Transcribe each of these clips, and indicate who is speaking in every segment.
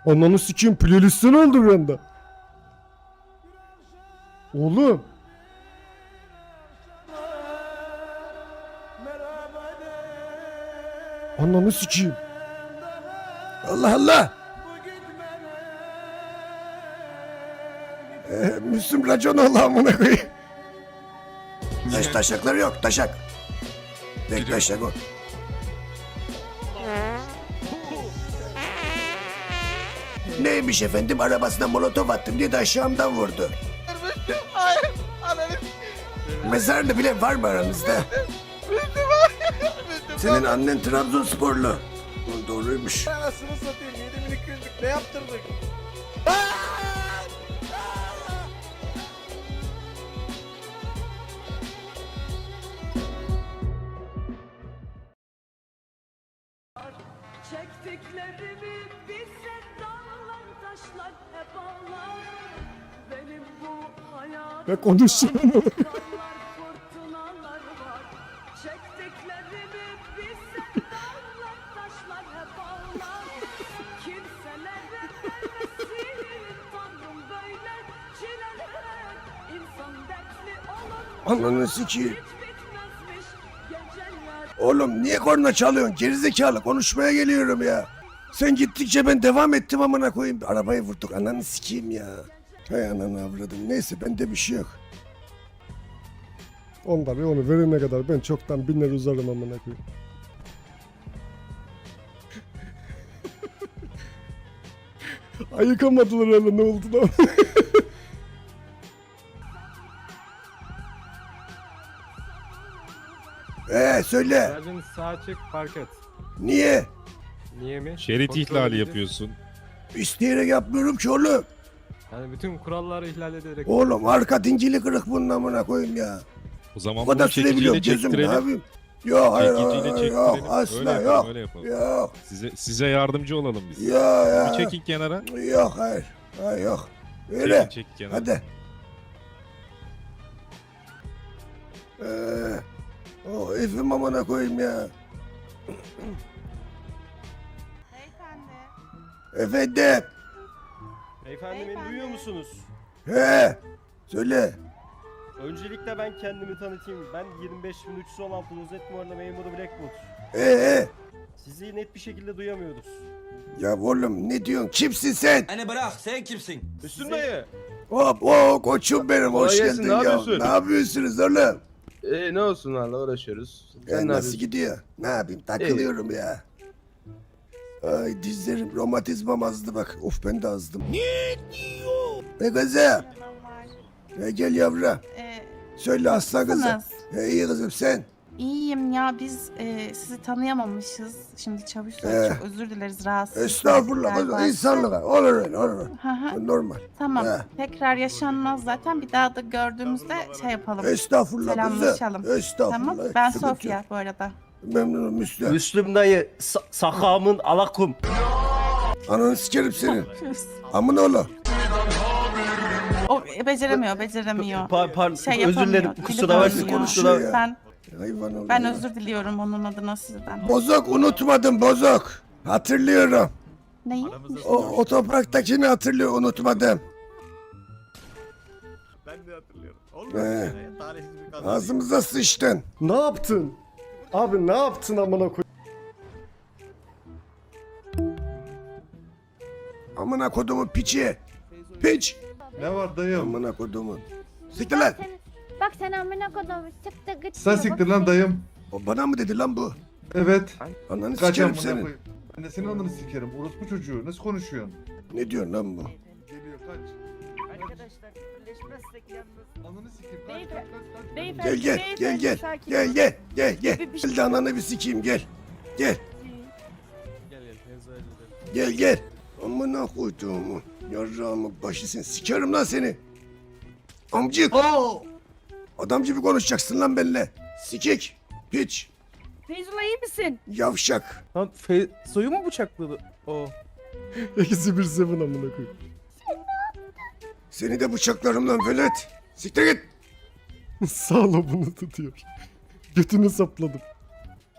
Speaker 1: Ananı sikeyim, playlist'ten oldu bir anda. Oğlum. Ananı sikeyim. Allah Allah. Müslüm racon Allah'ımına koyayım. Taşakları yok, taşak. Tek taşak o. Neymiş efendim, arabasına molotof attım diye de aşağımdan vurdu.
Speaker 2: Hayır. Ananı.
Speaker 1: Mezarlı bile var mı aranızda? Senin annen Trabzonsporlu. Doğruymuş.
Speaker 2: Anasını satayım. 7200'lük ne yaptırdık?
Speaker 3: Çektiklerimi bize dağlar taşlar hep ağlar. Benim bu hayatımda
Speaker 1: Ve konuşsun.
Speaker 3: dağlar fırtınalar var. Çektiklerimi bize dağlar taşlar hep ağlar. Kimselere vermesin Tanrım böyle çileler. İnsan dertli olur.
Speaker 1: Ananı sikeyim.
Speaker 3: Hiç bitmezmiş geceler.
Speaker 1: Oğlum niye korna çalıyorsun? Gerizekalı, konuşmaya geliyorum ya. Sen gittikçe ben devam ettim amına koyayım. Arabayı vurduk, ananı sikeyim ya. Hay ananı avradım. Neyse, bende bir şey yok. Onları onu verene kadar ben çoktan biner uzarım amına koyayım. Ayıkamadılar öyle, ne oldu lan? Söyle.
Speaker 4: Aracın sağ çık park et.
Speaker 1: Niye?
Speaker 4: Niye mi?
Speaker 5: Şerit
Speaker 4: Kontrol
Speaker 5: ihlali
Speaker 4: edeceğiz.
Speaker 5: yapıyorsun.
Speaker 1: İsteyerek yapmıyorum ki oğlum.
Speaker 4: Yani bütün kuralları ihlal ederek.
Speaker 1: Oğlum arka dingili kırık bunun amına koyayım ya.
Speaker 5: O zaman
Speaker 1: O kadar
Speaker 5: bunu
Speaker 1: sürebiliyorum
Speaker 5: çekiciyle
Speaker 1: gözüm, ne
Speaker 5: çektirelim.
Speaker 1: yapayım? Yok hayır,
Speaker 5: Çekiciyle
Speaker 1: hayır,
Speaker 5: çektirelim.
Speaker 1: yok asla
Speaker 5: Öyle
Speaker 1: yok.
Speaker 5: yapalım, öyle yapalım.
Speaker 1: Yok.
Speaker 5: Size yardımcı olalım biz.
Speaker 1: Yok ya.
Speaker 5: Bir çekin kenara.
Speaker 1: Yok hayır. Hayır yok. Öyle.
Speaker 5: Çekin kenara.
Speaker 1: Hadi. Oh efim amına koyayım ya.
Speaker 6: Beyefendi.
Speaker 1: Efendim.
Speaker 6: Beyefendi beni duyuyor musunuz?
Speaker 1: He. Söyle.
Speaker 6: Öncelikle ben kendimi tanıtayım. Ben 25316 rozet numaralı memuru Blackwood. Sizi net bir şekilde duyamıyoruz.
Speaker 1: Ya oğlum ne diyorsun? Kimsin sen?
Speaker 7: Hani bırak sen kimsin?
Speaker 6: Üstün dayı.
Speaker 1: Hop koçum benim, hoş
Speaker 2: Kolay gelsin,
Speaker 1: geldin
Speaker 2: ne
Speaker 1: ya.
Speaker 2: yapıyorsun?
Speaker 1: Ne yapıyorsunuz oğlum?
Speaker 2: Ne olsun valla uğraşıyoruz. Sen ne
Speaker 1: Nasıl
Speaker 2: yapıyorsun?
Speaker 1: gidiyor? Ne yapayım? Takılıyorum ya. Ay dizlerim, romatizmam azdı bak. Of ben de azdım. Ne diyor? Ne kızım? Gel yavrum. Söyle aslan kızım.
Speaker 8: Nasılsınız?
Speaker 1: İyi kızım sen.
Speaker 8: İyiyim ya biz sizi tanıyamamışız. Şimdi çavuş çok özür dileriz rahatsız.
Speaker 1: Estağfurullah
Speaker 8: ettikler
Speaker 1: kızım. İnsanlığa. Olur öyle olur.
Speaker 8: Hı hı.
Speaker 1: Normal.
Speaker 8: Tamam.
Speaker 1: He.
Speaker 8: Tekrar yaşanmaz zaten. Bir daha da gördüğümüzde şey yapalım.
Speaker 1: Estağfurullah
Speaker 8: Selamlaşalım.
Speaker 1: kızım. Estağfurullah.
Speaker 8: Tamam. Ben
Speaker 1: Sıkıntı yok.
Speaker 8: Sofya bu arada.
Speaker 1: Memnunum Müslüm.
Speaker 6: Müslüm dayı sakamın alakum.
Speaker 1: Ananı sikerim seni. Amına oğlum.
Speaker 8: O beceremiyor. Şey
Speaker 6: özür dilerim
Speaker 8: yapamıyor,
Speaker 6: kusura
Speaker 8: dili
Speaker 6: bakma.
Speaker 8: konuşuyor.
Speaker 1: konuşuyor ya.
Speaker 8: Ben
Speaker 1: Hayvan oğlum.
Speaker 8: ben
Speaker 1: ya.
Speaker 8: özür diliyorum onun adına sizden.
Speaker 1: Bozok unutmadım bozok. Hatırlıyorum.
Speaker 8: Neyi?
Speaker 1: O topraktakini hatırlıyor, unutmadım.
Speaker 2: Ben de hatırlıyorum.
Speaker 1: Tarihsiz bir ağzımıza sıçtın. Ne yaptın? Abi ne yaptın amına koy? Amına kodumun piçi. Piç.
Speaker 2: Ne var dayım?
Speaker 1: Amına kodumun. Siktir lan.
Speaker 9: Bak sen amına kodum çıktı gıç.
Speaker 2: Sen siktir lan dayım.
Speaker 1: O bana mı dedi lan bu?
Speaker 2: Evet.
Speaker 1: Ananı
Speaker 2: Kaç
Speaker 1: sikerim
Speaker 2: amına
Speaker 1: senin.
Speaker 2: koyayım. Ben de senin ananı sikerim. Orospu çocuğu. Nasıl konuşuyorsun?
Speaker 1: Ne diyorsun lan bu?
Speaker 2: Geliyor kaç.
Speaker 9: Arkadaşlar birleşmezsek yalnız.
Speaker 2: Ananı sikeyim. Kaç
Speaker 9: Beyefendi,
Speaker 2: kaç kaç kaç.
Speaker 9: beyefendi,
Speaker 1: Gel gel
Speaker 9: sakin
Speaker 1: gel
Speaker 9: olun.
Speaker 1: gel gel gel.
Speaker 9: Bir şey-
Speaker 1: Gel de ananı bir sikeyim gel. Gel
Speaker 4: Gel mevzu halledelim.
Speaker 1: gel gel. Amına koyduğumu. Yarrağımı başı sen. Sikerim lan seni. Amcık. Adam gibi konuşacaksın lan benimle. Sikik. Piç.
Speaker 9: Feyzullah iyi misin?
Speaker 1: Yavşak.
Speaker 2: Lan soyu mu bıçakladı? O.
Speaker 1: İkisi bir seven amına koyayım. Seni de bıçaklarım lan velet. Siktir git. Sağ lobunu tutuyor. Götünü sapladım.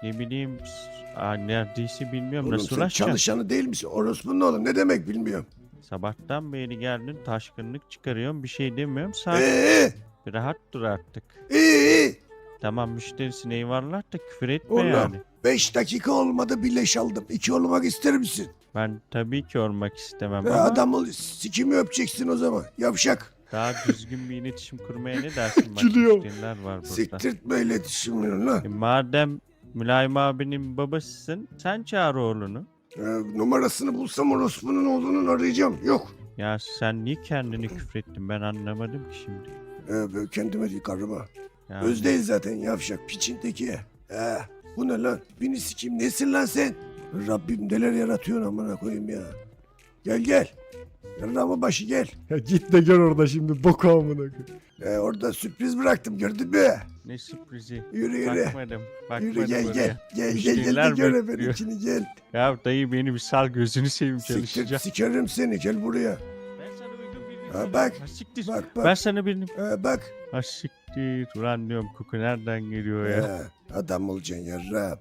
Speaker 7: Ne bileyim neredeyse bilmiyorum
Speaker 1: Oğlum
Speaker 7: nasıl
Speaker 1: sen
Speaker 7: ulaşacağım.
Speaker 1: çalışanı değil misin? Orospunun oğlum ne demek bilmiyorum.
Speaker 7: Sabahtan beri geldin taşkınlık çıkarıyorum bir şey demiyorum. Sakin
Speaker 1: Ee,
Speaker 7: bir rahat dur artık.
Speaker 1: iyi.
Speaker 7: Tamam müşterisin eyvallah da küfür etme
Speaker 1: Oğlum
Speaker 7: yani.
Speaker 1: 5 dakika olmadı bir leş aldım. 2 olmak ister misin?
Speaker 7: Ben tabii ki olmak istemem
Speaker 1: Ya
Speaker 7: ama
Speaker 1: adam ol, sikimi öpeceksin o zaman. Yavşak.
Speaker 7: daha düzgün bir iletişim kurmaya ne dersin? Bak
Speaker 1: Gülüyor.
Speaker 7: müşteriler var burada.
Speaker 1: Siktirtme iletişimini lan.
Speaker 7: Madem Mülayim abinin babasısın sen çağır oğlunu.
Speaker 1: Numarasını bulsam orospunun oğlunun arayacağım. Yok.
Speaker 7: Ya sen niye kendini küfrettin ben anlamadım ki şimdi.
Speaker 1: Ben kendime değil karıma.
Speaker 7: Ya,
Speaker 1: Öz değil zaten yavşak piçin teki. Bu ne lan? Beni sikeyim nesin lan sen? Rabbim neler yaratıyorsun amına koyayım ya. Gel. Yarrağımın başı gel.
Speaker 10: Ya git de gör orada şimdi boku amına koyayım.
Speaker 1: Orada sürpriz bıraktım gördün mü?
Speaker 7: ne sürprizi.
Speaker 1: Yürü.
Speaker 7: Bakmadım
Speaker 1: Yürü gel
Speaker 7: oraya.
Speaker 1: Gel de
Speaker 7: Müşteriler
Speaker 1: gör
Speaker 7: bekliyor.
Speaker 1: benimkini gel.
Speaker 7: Ya dayı beni bir sal gözünü seveyim
Speaker 1: Siktir
Speaker 7: çalışacağım.
Speaker 1: sikerim seni gel buraya.
Speaker 7: Ben sana uygun birini
Speaker 1: Ha,
Speaker 7: buldum.
Speaker 1: bak.
Speaker 7: Ha, siktir.
Speaker 1: Bak.
Speaker 7: Ben sana birini...
Speaker 1: Bak.
Speaker 7: Ha siktir. Ulan diyorum koku nereden geliyor ya?
Speaker 1: Adam olacaksın yarrağım.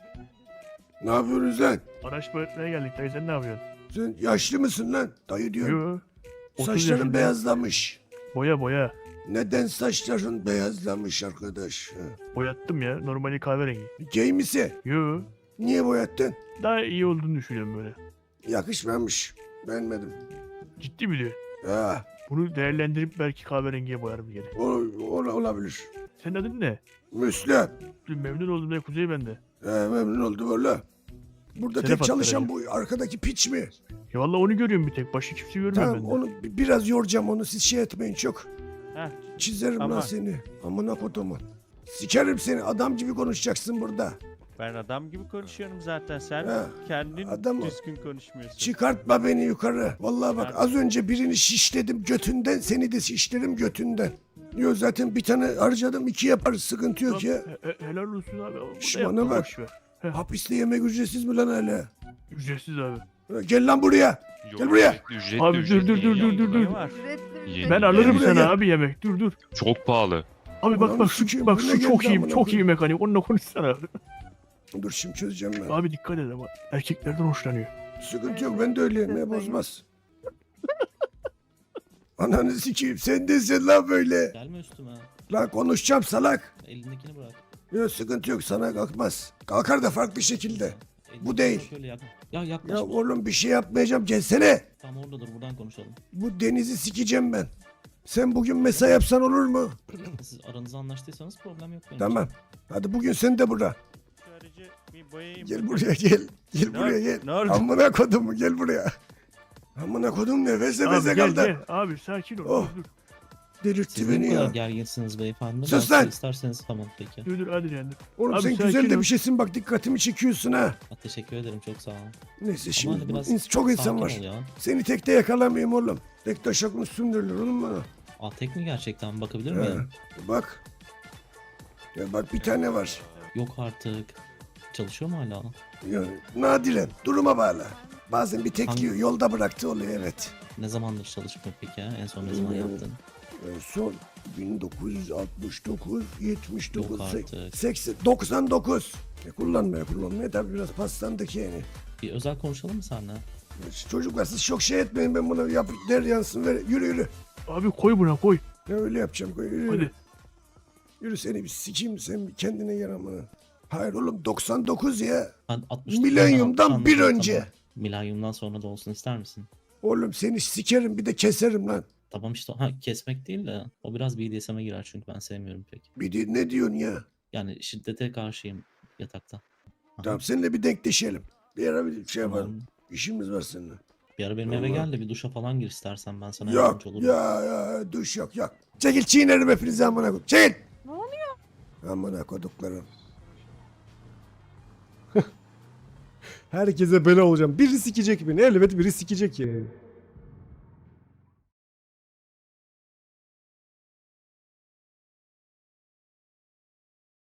Speaker 1: Ne yapıyorsunuz lan?
Speaker 10: Araç boyatmaya geldik dayı sen ne yapıyorsun?
Speaker 1: Sen yaşlı mısın lan? Dayı diyorum.
Speaker 10: Yo. 30
Speaker 1: Saçların
Speaker 10: yaşındayım.
Speaker 1: beyazlamış.
Speaker 10: Boya.
Speaker 1: Neden saçların beyazlamış arkadaş?
Speaker 10: Boyattım ya normali kahverengi.
Speaker 1: Gay misin?
Speaker 10: Yo.
Speaker 1: Niye boyattın?
Speaker 10: Daha iyi olduğunu düşünüyorum böyle.
Speaker 1: Yakışmamış. Beğenmedim.
Speaker 10: Ciddi mi diyor?
Speaker 1: Ha,
Speaker 10: Bunu değerlendirip belki kahverengiye boyarım geri.
Speaker 1: olabilir.
Speaker 10: Senin adın ne?
Speaker 1: Müslüm.
Speaker 10: Memnun oldum ya Kuzey bende.
Speaker 1: Memnun oldum valla. Burada
Speaker 10: Şeref
Speaker 1: tek çalışan
Speaker 10: attıracağım.
Speaker 1: bu arkadaki piç mi?
Speaker 10: Ya valla onu görüyorum bir tek. Başka kimse görmüyorum
Speaker 1: Tamam
Speaker 10: ben de.
Speaker 1: onu biraz yoracağım onu siz şey etmeyin çok.
Speaker 7: Heh,
Speaker 1: Çizerim lan
Speaker 7: Tamam.
Speaker 1: seni. Amına kodumun. Sikerim seni adam gibi konuşacaksın burada.
Speaker 7: ben adam gibi konuşuyorum zaten. Sen
Speaker 1: Ha,
Speaker 7: kendin
Speaker 1: adam ol.
Speaker 7: düzgün konuşmuyorsun.
Speaker 1: Çıkartma beni yukarı. Vallahi bak
Speaker 7: Ben-
Speaker 1: az önce birini şişledim götünden seni de şişlerim götünden. Yok zaten bir tane harcadım 2 yaparız sıkıntı yok ya.
Speaker 10: Helal olsun abi. Burada
Speaker 1: Şş,
Speaker 10: yapma,
Speaker 1: bana bak.
Speaker 10: boş ver.
Speaker 1: Hapiste yemek ücretsiz mi lan hala?
Speaker 10: Ücretsiz abi.
Speaker 1: Gel lan buraya. Gel buraya.
Speaker 10: Abi dur.
Speaker 7: Ne var?
Speaker 10: Ben alırım
Speaker 1: Buraya
Speaker 10: sana
Speaker 1: gel.
Speaker 10: abi yemek. Dur.
Speaker 5: Çok pahalı.
Speaker 10: Abi
Speaker 1: Ulan
Speaker 10: bak
Speaker 1: sikeyim,
Speaker 10: bak
Speaker 1: bu ne
Speaker 10: şu çok
Speaker 1: geldi
Speaker 10: iyi
Speaker 1: amına
Speaker 10: çok iyi
Speaker 1: koyayım?
Speaker 10: mekanik. Onunla konuşsana.
Speaker 1: Dur şimdi çözeceğim ben.
Speaker 10: Abi dikkat et ama erkeklerden hoşlanıyor.
Speaker 1: Sıkıntı yok ben de öyleyim ne bozmaz. Ananı sikeyim sen desin lan böyle.
Speaker 11: Gelme üstüme.
Speaker 1: Lan konuşacağım salak.
Speaker 11: Elindekini bırak.
Speaker 1: Yok sıkıntı yok sana kalkmaz. Kalkar da farklı şekilde.
Speaker 11: Elindekini
Speaker 1: değil.
Speaker 11: bırak, öyle yakın. Ya
Speaker 1: Ya
Speaker 11: yaklaşma.
Speaker 1: oğlum bir şey yapmayacağım gelsene.
Speaker 11: Tam oradadır, buradan konuşalım.
Speaker 1: Bu denizi sikeceğim ben. Sen bugün mesai yapsan olur mu?
Speaker 11: Siz aranızda anlaştıysanız problem yok benim
Speaker 1: Tamam. Hadi bugün sen de burada.
Speaker 7: Şu aracı bir boyayayım.
Speaker 1: Gel buraya gel. Gel
Speaker 7: Ne
Speaker 1: buraya
Speaker 7: oldu?
Speaker 1: gel.
Speaker 7: Ne oldu?
Speaker 1: Amına kodum gel buraya. Amına kodum nefes
Speaker 10: Abi
Speaker 1: nefese
Speaker 10: gel
Speaker 1: kaldı.
Speaker 10: gel. Abi sakin ol.
Speaker 1: Oh.
Speaker 10: Dur.
Speaker 1: Delirtti
Speaker 11: Siz ne
Speaker 1: beni
Speaker 11: kadar
Speaker 1: ya.
Speaker 11: gerginsiniz beyefendi?
Speaker 1: Sus
Speaker 11: Ben
Speaker 1: lan!
Speaker 11: size İsterseniz tamam peki.
Speaker 10: Dur hadi yani.
Speaker 1: Oğlum
Speaker 10: Abi
Speaker 1: sen
Speaker 10: sakin
Speaker 1: güzel de
Speaker 10: ol.
Speaker 1: bir şeysin bak dikkatimi çekiyorsun ha.
Speaker 11: Teşekkür ederim, çok sağ olun.
Speaker 1: Neyse
Speaker 11: Ama
Speaker 1: şimdi
Speaker 11: hani biraz
Speaker 1: çok insan
Speaker 11: sakin
Speaker 1: var.
Speaker 11: ol ya.
Speaker 1: Seni tekte yakalamayayım oğlum. Tek taşak mı sündürülür oğlum bana?
Speaker 11: Aa, tek mi gerçekten, bakabilir
Speaker 1: He.
Speaker 11: miyim?
Speaker 1: Bak. Ya bak bir tane var.
Speaker 11: Yok artık. Çalışıyor mu hala?
Speaker 1: Ya, nadiren duruma bağlı. Bazen bir tek
Speaker 11: Hangi-
Speaker 1: yiyor, yolda bıraktı oluyor evet.
Speaker 11: Ne zamandır çalışmıyor peki ya? En son ne zaman
Speaker 1: Bilmiyorum.
Speaker 11: yaptın?
Speaker 1: Son 1969, 79,
Speaker 11: Yok artık.
Speaker 1: 80, 99. Kullanmaya tabii biraz paslandık yani.
Speaker 11: Bir özel konuşalım mı seninle?
Speaker 1: Çocuklar siz çok şey etmeyin ben bunu yap der yansın ver yürü.
Speaker 10: Abi koy buna koy.
Speaker 1: Ya öyle yapacağım yürü.
Speaker 10: Hadi.
Speaker 1: Yürü seni bir sikeyim sen bir kendine gel amına. Hayır oğlum 99 ya.
Speaker 11: Ben 60
Speaker 1: Milenyumdan bir önce.
Speaker 11: Milenyumdan sonra da olsun ister misin?
Speaker 1: Oğlum seni sikerim bir de keserim lan.
Speaker 11: Tamam işte, kesmek değil de o biraz BDSM'e girer çünkü ben sevmiyorum pek.
Speaker 1: Bir de ne diyorsun ya?
Speaker 11: Yani şiddete karşıyım yatakta. Aha,
Speaker 1: Tamam seninle bir denkleşelim. Bir ara bir şey
Speaker 11: tamam.
Speaker 1: yapalım. İşimiz var seninle.
Speaker 11: Bir ara benim eve
Speaker 1: Tamam.
Speaker 11: gel de bir duşa falan gir istersen, ben sana
Speaker 1: Yok
Speaker 11: yardımcı olurum.
Speaker 1: ya duş yok. Çekil çiğnerim hepinizi amına koyayım. Çekil.
Speaker 9: Ne oluyor?
Speaker 1: Amına koduklarım.
Speaker 10: Herkese bela olacağım. Biri sikecek beni. Elbet biri sikecek yani.